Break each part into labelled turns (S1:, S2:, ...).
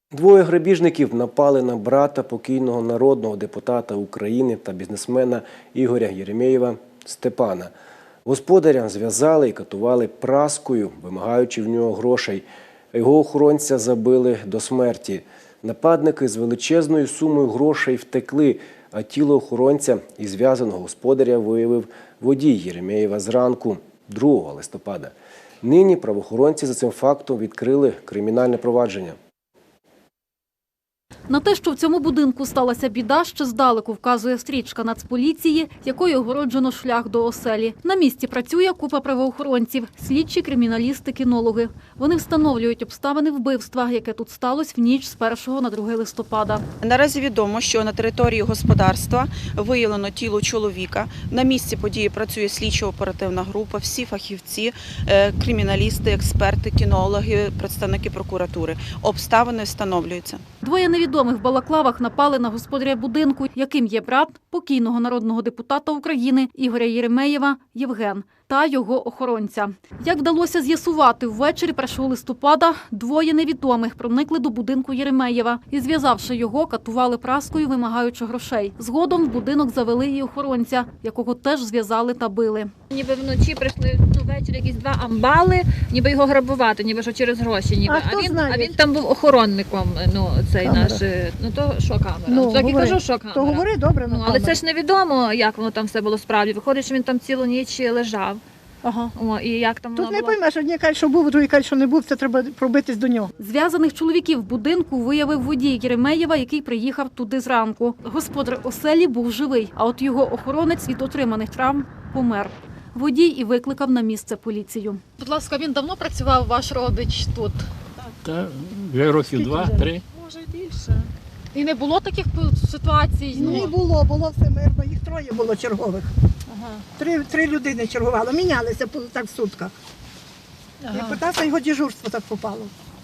S1: Двоє грабіжників напали на брата покійного народного депутата України та бізнесмена Ігоря Єремєєва Степана. Господаря зв'язали і катували праскою, вимагаючи в нього грошей. Його охоронця забили до смерті. Нападники з величезною сумою грошей втекли, а тіло охоронця і зв'язаного господаря виявив водій Єремєєва зранку 2 листопада. Нині правоохоронці за цим фактом відкрили кримінальне провадження.
S2: На те, що в цьому будинку сталася біда, ще здалеку вказує стрічка Нацполіції, якою огороджено шлях до оселі. На місці працює купа правоохоронців, слідчі, криміналісти, кінологи. Вони встановлюють обставини вбивства, яке тут сталося в ніч з 1 на 2 листопада.
S3: Наразі відомо, що на території господарства виявлено тіло чоловіка. На місці події працює слідчо-оперативна група, всі фахівці, криміналісти, експерти, кінологи, представники прокуратури. Обставини встановлюються.
S2: Двоє невідомих в балаклавах напали на господаря будинку, яким є брат покійного народного депутата України Ігоря Єремєєва Євген та його охоронця. Як вдалося з'ясувати, ввечері 1 листопада двоє невідомих проникли до будинку Єремєєва і, зв'язавши його, катували праскою, вимагаючи грошей. Згодом в будинок завели і охоронця, якого теж зв'язали та били.
S4: Ніби вночі прийшли ввечері якісь 2 амбали, ніби його грабувати, ніби що через гроші. Ніби. А він там був охоронником, цей камера. Наш, то що камера? Так і кажу, що камера.
S5: То говори добре,
S4: але це ж невідомо, як воно там все було справді. Виходить, що він там цілу ніч лежав.
S5: Ага.
S4: І як там
S5: тут не поймеш, одні кажуть, що був, другі кажуть, що не був, це треба пробитись до нього.
S2: Зв'язаних чоловіків в будинку виявив водій Єремєєва, який приїхав туди зранку. Господар оселі був живий, а от його охоронець від отриманих травм помер. Водій і викликав на місце поліцію. Будь ласка, він давно працював, ваш родич тут?
S6: Та вже років 2-3.
S4: Може більше.
S2: І не було таких ситуацій?
S5: Не було, було все мирно, їх 3 було чергових. Ага. 3 людини чергувало, мінялися так в сутках.
S2: Ага.
S5: І питався, його дежурство так попало.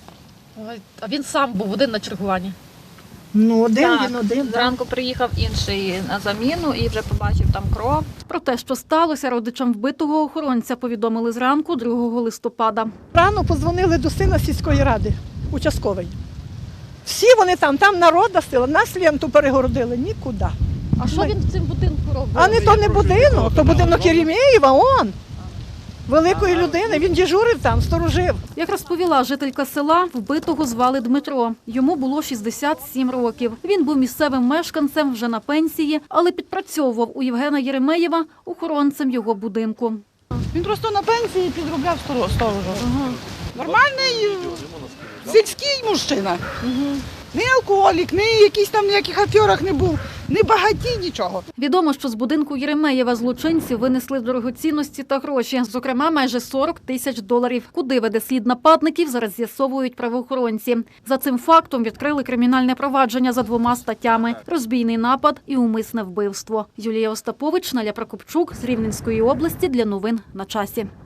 S2: А він сам був один на чергуванні?
S5: Ну, один,
S4: Так,
S5: він один.
S4: Зранку приїхав інший на заміну і вже побачив там кров.
S2: Про те, що сталося, родичам вбитого охоронця повідомили зранку 2 листопада.
S5: Рано подзвонили до сина сільської ради, участковий. Всі вони там народна сила, нас ленту перегородили, нікуди.
S2: А що він в цьому будинку робив?
S5: А не то не будинок, то будинок Єремєєва, он. Великої людини, він дежурив там, сторожив.
S2: Як розповіла жителька села, вбитого звали Дмитро. Йому було 67 років. Він був місцевим мешканцем, вже на пенсії, але підпрацьовував у Євгена Єремєєва охоронцем його будинку.
S7: Він просто на пенсії підробляв сторожу. Нормальний сільський мужчина. Не алкоголік, не якийсь там ніяких аферах не був, не багатій, нічого.
S2: Відомо, що з будинку Єремєєва злочинці винесли дорогоцінності та гроші, зокрема майже $40 000. Куди веде слід нападників, зараз з'ясовують правоохоронці. За цим фактом відкрили кримінальне провадження за 2 статтями – розбійний напад і умисне вбивство. Юлія Остапович, Наля Прокопчук з Рівненської області для новин на часі.